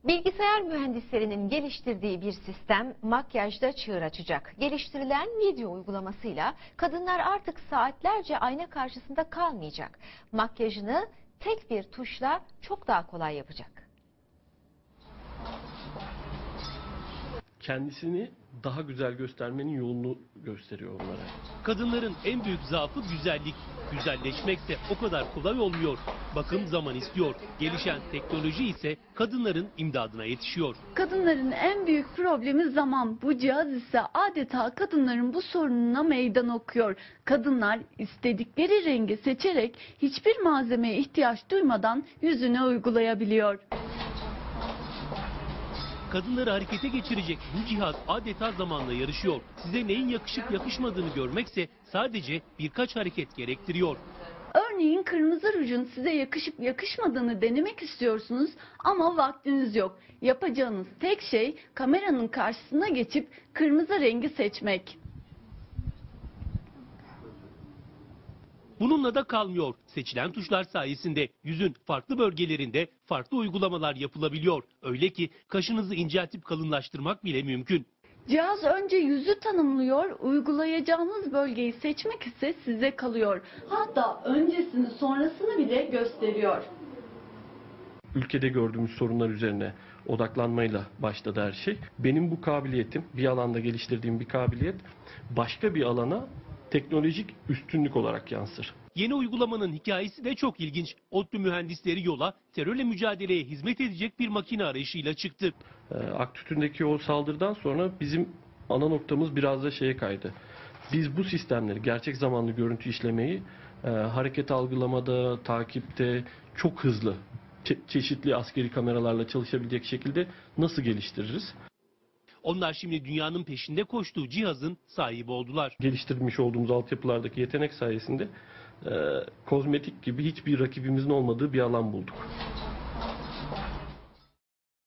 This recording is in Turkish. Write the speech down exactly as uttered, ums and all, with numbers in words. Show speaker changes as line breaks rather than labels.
Bilgisayar mühendislerinin geliştirdiği bir sistem makyajda çığır açacak. Geliştirilen video uygulamasıyla kadınlar artık saatlerce ayna karşısında kalmayacak. Makyajını tek bir tuşla çok daha kolay yapacak.
Kendisini daha güzel göstermenin yolunu gösteriyor onlara.
Kadınların en büyük zaafı güzellik. Güzelleşmek de o kadar kolay olmuyor. Bakım zaman istiyor. Gelişen teknoloji ise kadınların imdadına yetişiyor.
Kadınların en büyük problemi zaman. Bu cihaz ise adeta kadınların bu sorununa meydan okuyor. Kadınlar istedikleri rengi seçerek hiçbir malzemeye ihtiyaç duymadan yüzüne uygulayabiliyor.
Kadınları harekete geçirecek bu cihaz adeta zamanla yarışıyor. Size neyin yakışıp yakışmadığını görmekse sadece birkaç hareket gerektiriyor.
Örneğin kırmızı rujun size yakışıp yakışmadığını denemek istiyorsunuz ama vaktiniz yok. Yapacağınız tek şey kameranın karşısına geçip kırmızı rengi seçmek.
Bununla da kalmıyor. Seçilen tuşlar sayesinde yüzün farklı bölgelerinde farklı uygulamalar yapılabiliyor. Öyle ki kaşınızı inceltip kalınlaştırmak bile mümkün.
Cihaz önce yüzü tanımlıyor, uygulayacağınız bölgeyi seçmek ise size kalıyor. Hatta öncesini sonrasını bile gösteriyor.
Ülkede gördüğümüz sorunlar üzerine odaklanmayla başladı her şey. Benim bu kabiliyetim, bir alanda geliştirdiğim bir kabiliyet başka bir alana teknolojik üstünlük olarak yansır.
Yeni uygulamanın hikayesi de çok ilginç. ODTÜ mühendisleri yola terörle mücadeleye hizmet edecek bir makine arayışıyla çıktı.
Ee, Aktütü'ndeki o saldırıdan sonra bizim ana noktamız biraz da şeye kaydı. Biz bu sistemleri, gerçek zamanlı görüntü işlemeyi e, hareket algılamada, takipte çok hızlı, çe- çeşitli askeri kameralarla çalışabilecek şekilde nasıl geliştiririz?
Onlar şimdi dünyanın peşinde koştuğu cihazın sahibi oldular.
Geliştirmiş olduğumuz altyapılardaki yetenek sayesinde e, kozmetik gibi hiçbir rakibimizin olmadığı bir alan bulduk.